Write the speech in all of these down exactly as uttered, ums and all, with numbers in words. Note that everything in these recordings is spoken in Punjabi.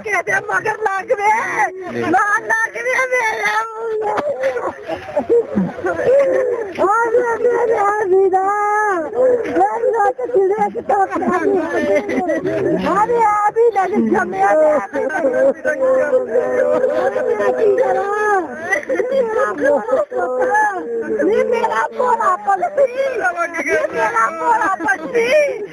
के दे मगर लग वे ना लग वे मेरा अरे मेरे हसीना मेरी रात चिड़े की तो अरे अभी लग जमे ये मेरा पोला पलटी ये मेरा पोला पलटी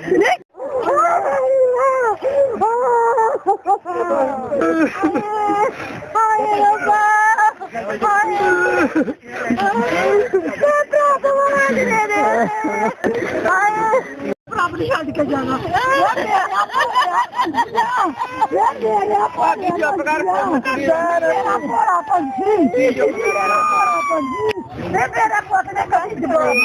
अपनी शादी के जाना मेरा पोते कभी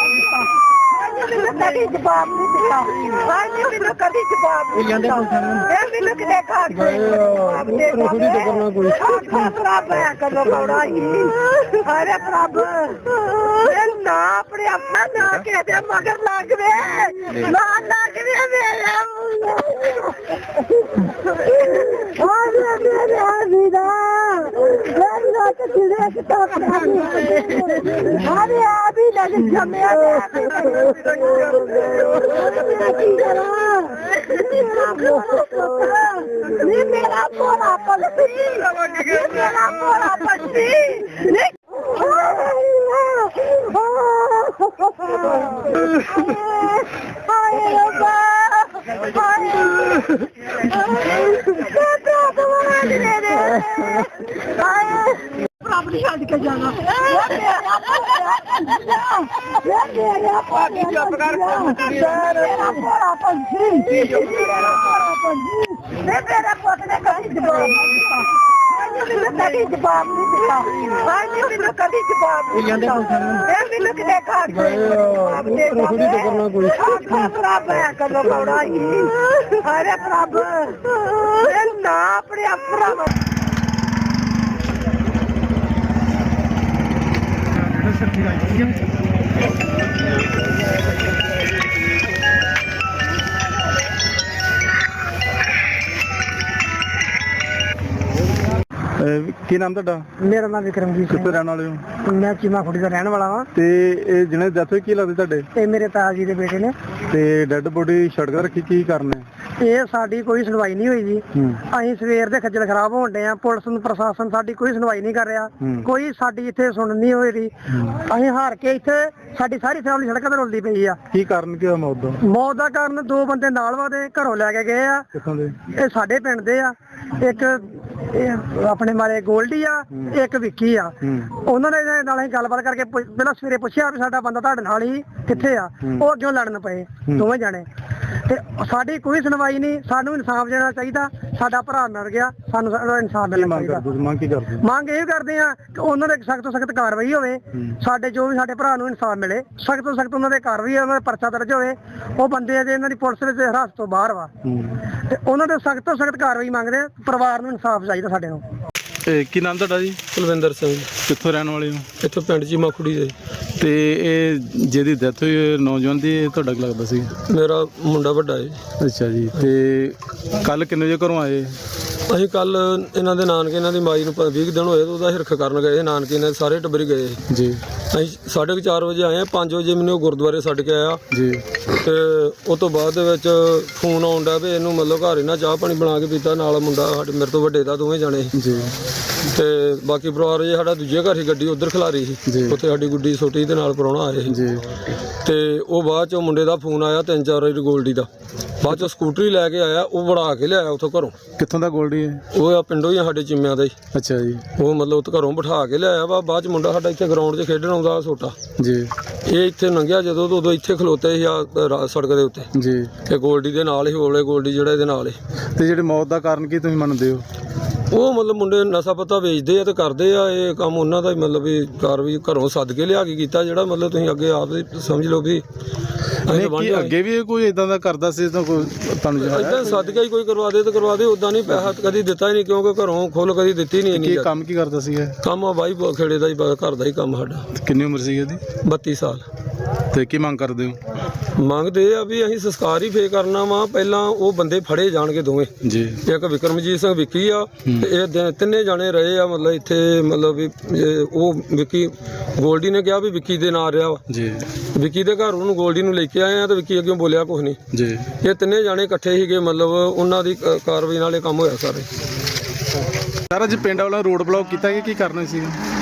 जवाब नहीं दिया मैंने कभी जवाब नहीं दिया मैं लोग देखा करो अरे प्रभु ना अपने अपना ना कह दे मगर लग वे ना लग वे मेरा अरे मेरे हसीना मेरी रात चिड़े की तो अरे अभी लग जमे ये मेरा पोला पलटी ये मेरा पोला पलटी अपनी शादी के जाना मेरा पोते कभी जवाब नहीं दिया मैंने कभी जवाब नहीं दिया मैं लोग देखा करो अरे प्रभु ना अपने अपना ਕੀ ਨਾਮ ਤੁਹਾਡਾ? ਮੇਰਾ ਨਾਮ ਵਿਕਰਮਜੀਤ ਕਿੱਥੇ ਰਹਿਣ ਵਾਲੇ ਹੋ? ਮੈਂ ਚੀਮਾ ਖੁੜੀ ਦਾ ਰਹਿਣ ਵਾਲਾ ਹਾਂ। ਤੇ ਇਹ ਜਿਹਨੇ ਡੈਥ ਹੋਈ ਕੀ ਲੱਗਦੇ ਤੁਹਾਡੇ? ਇਹ ਮੇਰੇ ਤਾਇਆ ਜੀ ਦੇ ਬੇਟੇ ਨੇ। ਤੇ ਡੈੱਡ ਬੋਡੀ ਸੜਕ ਤੇ ਰੱਖੀ ਕੀ ਕਰਨਾ? ਇਹ ਸਾਡੀ ਕੋਈ ਸੁਣਵਾਈ ਨਹੀਂ ਹੋਈ ਜੀ। ਅਸੀਂ ਸਵੇਰ ਦੇ ਖੱਜਲ ਖਰਾਬ ਹੋਣ ਡਏ ਆ। ਪੁਲਿਸ ਨੂੰ ਪ੍ਰਸ਼ਾਸਨ ਸਾਡੀ ਕੋਈ ਸੁਣਵਾਈ ਨਹੀਂ ਕਰ ਰਿਹਾ। ਕੋਈ ਸਾਡੀ ਇੱਥੇ ਸੁਣ ਨਹੀਂ ਹੋ ਰਹੀ। ਅਸੀਂ ਹਾਰ ਕੇ ਇੱਥੇ ਸਾਡੀ ਸਾਰੀ ਫੈਮਿਲੀ ਸੜਕਾਂ ਤੇ ਰੁਲਦੀ ਪਈ ਆ। ਕੀ ਕਾਰਨ ਕੀ ਹੋਇਆ ਮੌਤ ਦਾ? ਮੌਤ ਦਾ ਕਾਰਨ ਦੋ ਬੰਦੇ ਨਾਲ ਵਾਦੇ ਘਰੋਂ ਲੈ ਕੇ ਗਏ ਆ। ਕਿੱਥੋਂ ਦੇ? ਇਹ ਸਾਡੇ ਪਿੰਡ ਦੇ ਆ। ਇੱਕ ਇਹ ਆਪਣੇ ਮਾਰੇ ਗੋਲਡੀ ਆ, ਇੱਕ ਵਿੱਕੀ ਆ। ਉਹਨਾਂ ਨੇ ਨਾਲ ਅਸੀਂ ਗੱਲਬਾਤ ਕਰਕੇ ਪਹਿਲਾਂ ਸਵੇਰੇ ਪੁੱਛਿਆ ਵੀ ਸਾਡਾ ਬੰਦਾ ਤੁਹਾਡੇ ਨਾਲ ਹੀ ਕਿੱਥੇ ਆ। ਉਹ ਅੱਗੇ ਲੜਨ ਪਏ ਦੋਵੇਂ ਜਾਣੇ। ਤੇ ਸਾਡੀ ਕੋਈ ਸੁਣਵਾਈ ਨਹੀਂ। ਸਾਨੂੰ ਇਨਸਾਫ ਦੇਣਾ ਚਾਹੀਦਾ। ਸਾਡਾ ਭਰਾ ਮਰ ਗਿਆ, ਸਾਨੂੰ ਇਨਸਾਫ ਮਿਲਣਾ ਚਾਹੀਦਾ। ਮੰਗ ਕੀ ਕਰਦੇ? ਮੰਗ ਇਹ ਕਰਦੇ ਆ ਕਿ ਉਹਨਾਂ ਦੇ ਸਖਤ ਤੋਂ ਸਖਤ ਕਾਰਵਾਈ ਹੋਵੇ। ਸਾਡੇ ਜੋ ਵੀ ਸਾਡੇ ਭਰਾ ਨੂੰ ਇਨਸਾਫ ਮਿਲੇ, ਸਖਤ ਤੋਂ ਸਖਤ ਉਹਨਾਂ ਦੇ ਕਾਰਵਾਈ, ਉਹਨਾਂ ਦਾ ਪਰਚਾ ਦਰਜ ਹੋਵੇ। ਉਹ ਬੰਦੇ ਅਜੇ ਇਹਨਾਂ ਦੀ ਪੁਲਿਸ ਵਿੱਚ ਹਿਰਾਸਤ ਤੋਂ ਬਾਹਰ ਵਾ ਤੇ ਉਹਨਾਂ ਦੇ ਸਖਤ ਤੋਂ ਸਖਤ ਕਾਰਵਾਈ ਮੰਗਦੇ ਆ। ਪਰਿਵਾਰ ਨੂੰ ਇਨਸਾਫ ਚਾਹੀਦਾ ਸਾਡੇ ਨੂੰ। ਕੀ ਨਾਮ ਤੁਹਾਡਾ ਜੀ? ਕੁਲਵਿੰਦਰ ਸਿੰਘ। ਕਿੱਥੋਂ ਰਹਿਣ ਵਾਲੇ ਹੋ? ਇੱਥੋਂ ਪਿੰਡ ਚੀਮਾ ਖੁੜੀ ਦੇ। ਤੇ ਇਹ ਜਿਹਦੀ ਡੈਥ ਹੋਈ ਨੌਜਵਾਨ ਦੀ, ਤੁਹਾਡਾ ਕੀ ਲੱਗਦਾ ਸੀ? ਮੇਰਾ ਮੁੰਡਾ ਵੱਡਾ ਹੈ। ਅੱਛਾ ਜੀ। ਤੇ ਕੱਲ ਕਿੰਨੇ ਵਜੇ ਘਰੋਂ ਆਏ? ਅਸੀਂ ਕੱਲ ਇਹਨਾਂ ਦੇ ਨਾਨਕੇ, ਇਹਨਾਂ ਦੀ ਮਾਈ ਨੂੰ ਵੀਹ ਦਿਨ ਹੋਏ, ਉਹਦਾ ਹਿਰਖ ਕਰਨ ਗਏ ਨਾਨਕੇ। ਇਹਨਾਂ ਸਾਰੇ ਟੱਬਰ ਗਏ ਜੀ। ਅਸੀਂ ਸਾਢੇ ਕੁ ਚਾਰ ਵਜੇ ਆਏ। ਪੰਜ ਵਜੇ ਮੈਨੂੰ ਉਹ ਗੁਰਦੁਆਰੇ ਛੱਡ ਕੇ ਆਇਆ ਜੀ। ਤੇ ਉਸ ਤੋਂ ਬਾਅਦ ਦੇ ਵਿੱਚ ਫੋਨ ਆਉਣ ਡਿਆ ਵੀ ਇਹਨੂੰ ਮਤਲਬ ਘਰ ਇਹਨਾਂ ਚਾਹ ਪਾਣੀ ਬਣਾ ਕੇ ਪੀਤਾ। ਨਾਲ ਮੁੰਡਾ ਸਾਡੇ ਮੇਰੇ ਤੋਂ ਵੱਡੇ ਦਾ, ਦੋਵੇਂ ਜਾਣੇ ਜੀ। ਤੇ ਬਾਕੀ ਪਰਿਵਾਰ ਜੇ ਸਾਡਾ ਦੂਜੇ ਘਰ ਹੀ ਗੱਡੀ ਉੱਧਰ ਖਿਲਾਰੀ ਸੀ। ਉੱਥੇ ਸਾਡੀ ਗੁੱਡੀ ਛੋਟੀ ਦੇ ਨਾਲ ਪ੍ਰਾਹੁਣਾ ਆਏ ਸੀ ਜੀ। ਤੇ ਉਹ ਬਾਅਦ ਚੋਂ ਮੁੰਡੇ ਦਾ ਫੋਨ ਆਇਆ ਤਿੰਨ ਚਾਰ ਵਾਰੀ ਗੋਲਡੀ ਦਾ। ਬਾਅਦ ਚੋਂ ਸਕੂਟਰੀ ਲੈ ਕੇ ਆਇਆ, ਉਹ ਵੜਾ ਕੇ ਲਿਆਇਆ ਉੱਥੋਂ ਘਰੋਂ। ਕਿੱਥੋਂ ਦਾ ਗੋਲਡੀ ਹੈ? ਉਹ ਆ ਪਿੰਡੋਂ ਹੀ ਆ ਸਾਡੇ ਚਿੰਮਿਆਂ ਦਾ ਹੀ। ਅੱਛਾ ਜੀ। ਉਹ ਮਤਲਬ ਉੱਥੇ ਘਰੋਂ ਬਿਠਾ ਕੇ ਲਿਆਇਆ ਵਾ। ਬਾਅਦ ਚ ਮੁੰਡਾ ਸਾਡਾ ਇੱਥੇ ਗਰਾਊਂਡ 'ਚ ਖੇਡਣ ਆਉਂਦਾ ਛੋਟਾ ਜੀ। ਇਹ ਇੱਥੇ ਲੰਘਿਆ ਜਦੋਂ, ਉਦੋਂ ਇੱਥੇ ਖਲੋਤੇ ਸੀ ਆ ਸੜਕ ਦੇ ਉੱਤੇ ਜੀ। ਤੇ ਗੋਲਡੀ ਦੇ ਨਾਲ ਹੀ ਹੋਲੇ ਗੋਲਡੀ ਜਿਹੜਾ ਇਹਦੇ ਨਾਲ ਹੀ। ਤੇ ਜਿਹੜੇ ਮੌਤ ਦਾ ਕਾਰਨ ਕੀ ਤੁਸੀਂ ਮੰਨਦੇ ਹੋ? ਉਹ ਮਤਲਬ ਮੁੰਡੇ ਨਸ਼ਾ ਪੱਤਾ ਵੇਚਦੇ ਆ ਤੇ ਕਰਦੇ ਆ ਇਹ ਕੰਮ। ਉਹਨਾਂ ਦਾ ਹੀ ਮਤਲਬ ਵੀ ਕਾਰਵਾਈ ਘਰੋਂ ਸੱਦ ਕੇ ਲਿਆ ਕੇ ਕੀਤਾ, ਜਿਹੜਾ ਮਤਲਬ ਤੁਸੀਂ ਅੱਗੇ ਆਪ ਸਮਝ ਲਓ ਵੀ ਅੱਗੇ ਵੀ ਕੋਈ ਇਦਾਂ ਦਾ ਕਰਦਾ ਸੀ ਤਾਂ ਕੋਈ ਤੁਹਾਨੂੰ ਇਦਾਂ ਸੱਦ ਕੇ ਹੀ ਕੋਈ ਕਰਵਾ ਦੇ ਤੇ ਕਰਵਾ ਦੇ। ਉਦਾਂ ਨਹੀਂ ਪੈਸਾ ਕਦੀ ਦਿੱਤਾ ਹੀ ਨਹੀਂ, ਕਿਉਂਕਿ ਘਰੋਂ ਖੁੱਲ ਕਦੀ ਦਿੱਤੀ ਨਹੀਂ। ਕੀ ਕੰਮ ਕੀ ਕਰਦਾ ਸੀ? ਕੰਮ ਆ ਬਾਈ ਖੇੜੇ ਦਾ ਹੀ, ਘਰ ਦਾ ਹੀ ਕੰਮ ਸਾਡਾ। ਕਿੰਨੀ ਉਮਰ ਸੀ ਇਹਦੀ? ਬੱਤੀ ਸਾਲ। ਤੇ ਕੀ ਮੰਗ ਕਰਦੇ ਹੋ? ਮੰਗਦੇ ਆ ਵੀ ਅਸੀਂ ਸੰਸਕਾਰ ਹੀ ਫੇਰ ਕਰਨਾ ਵਾ, ਪਹਿਲਾਂ ਉਹ ਬੰਦੇ ਫੜੇ ਜਾਣਗੇ ਦੋਵੇਂ। ਜੀ ਇੱਕ ਵਿਕਰਮਜੀਤ ਸਿੰਘ ਵਿੱਕੀ ਆ ਤੇ ਇਹ ਦ- ਤਿੰਨੇ ਜਾਣੇ ਰਹੇ ਆ ਮਤਲਬ ਇੱਥੇ, ਮਤਲਬ ਵੀ ਇਹ ਉਹ ਵਿੱਕੀ ਗੋਲਡੀ ਨੇ ਕਿਹਾ ਵੀ ਵਿੱਕੀ ਦੇ ਨਾਲ ਰਿਹਾ ਵਾ। ਜੀ ਵਿੱਕੀ ਦੇ ਘਰ ਉਹਨੂੰ ਗੋਲਡੀ ਨੂੰ ਲੈ ਕੇ ਆਏ ਆ ਤੇ ਵਿੱਕੀ ਅੱਗੇ ਬੋਲਿਆ ਕੁਛ ਨਹੀਂ। ਜੀ ਇਹ ਤਿੰਨੇ ਜਾਣੇ ਇਕੱਠੇ ਸੀਗੇ, ਮਤਲਬ ਉਹਨਾਂ ਦੀ ਕ- ਕਾਰਵਾਈ ਨਾਲ ਇਹ ਕੰਮ ਹੋਇਆ ਸਾਰੇ। ਸਰ ਅੱਜ ਪਿੰਡ ਵਾਲਾ ਰੋਡ ਬਲੌਕ ਕੀਤਾ ਕਿ ਕੀ ਕਰਨਾ ਸੀ?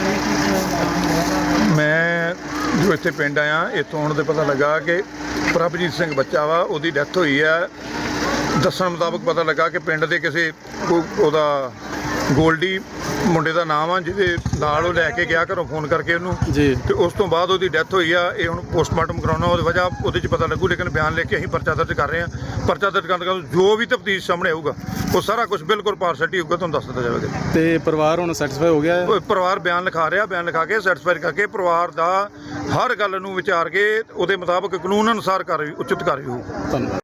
ਮੈਂ ਜੋ ਇੱਥੇ ਪਿੰਡ ਆਇਆ, ਇੱਥੋਂ ਆਉਣ ਦੇ ਪਤਾ ਲੱਗਾ ਕਿ ਪ੍ਰਭਜੀਤ ਸਿੰਘ ਬੱਚਾ ਵਾ, ਉਹਦੀ ਡੈਥ ਹੋਈ ਹੈ। ਦੱਸਣ ਮੁਤਾਬਕ ਪਤਾ ਲੱਗਾ ਕਿ ਪਿੰਡ ਦੇ ਕਿਸੇ ਕੋ- ਉਹਦਾ ਗੋਲਡੀ ਮੁੰਡੇ ਦਾ ਨਾਮ ਆ, ਜਿਹਦੇ ਨਾਲ ਉਹ ਲੈ ਕੇ ਗਿਆ ਘਰੋਂ ਫੋਨ ਕਰਕੇ ਉਹਨੂੰ, ਜੀ ਤੇ ਉਸ ਤੋਂ ਬਾਅਦ ਉਹਦੀ ਡੈਥ ਹੋਈ ਆ। ਇਹ ਹੁਣ ਪੋਸਟਮਾਰਟਮ ਕਰਾਉਣਾ, ਉਹਦੀ ਵਜ੍ਹਾ ਉਹਦੇ 'ਚ ਪਤਾ ਲੱਗੂ, ਲੇਕਿਨ ਬਿਆਨ ਲੈ ਕੇ ਅਸੀਂ ਪਰਚਾ ਦਰਜ ਕਰ ਰਹੇ ਹਾਂ। ਪਰਚਾ ਦਰਜ ਕਰਨ ਤੋਂ ਜੋ ਵੀ ਤਫਤੀਸ਼ ਸਾਹਮਣੇ ਆਊਗਾ ਉਹ ਸਾਰਾ ਕੁਝ ਬਿਲਕੁਲ ਪਾਰਸ਼ੈਲਿਟੀ ਹੋਊਗਾ, ਤੁਹਾਨੂੰ ਦੱਸ ਦਿੱਤਾ ਜਾਵੇਗਾ। ਤੇ ਪਰਿਵਾਰ ਹੁਣ ਸੈਟੀਸਫਾਈ ਹੋ ਗਿਆ ਹੈ? ਉਹ ਪਰਿਵਾਰ ਬਿਆਨ ਲਿਖਾ ਰਿਹਾ, ਬਿਆਨ ਲਿਖਾ ਕੇ ਸੈਟੀਸਫਾਈ ਕਰਕੇ ਪਰਿਵਾਰ ਦਾ ਹਰ ਗੱਲ ਨੂੰ ਵਿਚਾਰ ਕੇ ਉਹਦੇ ਮੁਤਾਬਕ ਕਾਨੂੰਨ ਅਨੁਸਾਰ ਕਾਰਵਾਈ ਉਚਿਤ ਕਾਰਵਾਈ ਹੋਊ। ਧੰਨਵਾਦ।